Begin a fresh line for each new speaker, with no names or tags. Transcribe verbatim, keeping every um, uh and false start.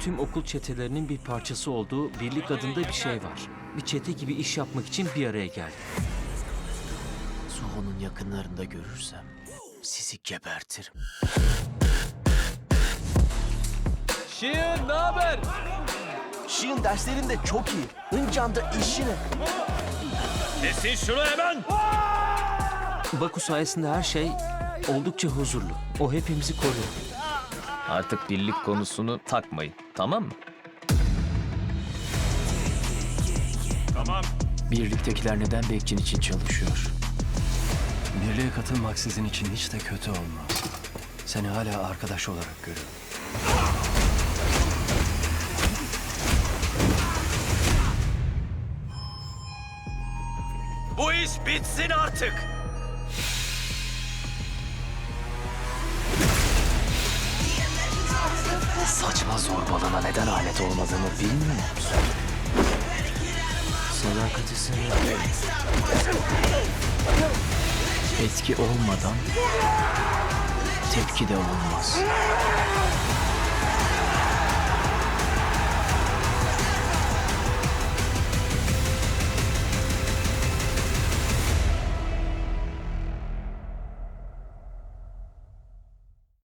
tüm okul çetelerinin bir parçası olduğu birlik adında bir şey var. Bir çete gibi iş yapmak için bir araya geldi.
Suho'nun yakınlarında görürsem sizi gebertirim.
Şirin, ne haber?
Şirin derslerinde çok iyi. Hıncan da işine.
Kesin şunu hemen!
Baku sayesinde her şey oldukça huzurlu. O hepimizi koruyor.
Artık birlik konusunu takmayın, tamam mı?
Birliktekiler neden Bekçin için çalışıyor?
Birliğe katılmak sizin için hiç de kötü olmaz. Seni hala arkadaş olarak görüyorum.
Bu iş bitsin artık!
Saçma zorbalığına neden alet olmadığını bilmiyor musun? Sadakati sever. Etki olmadan tepki de olmaz.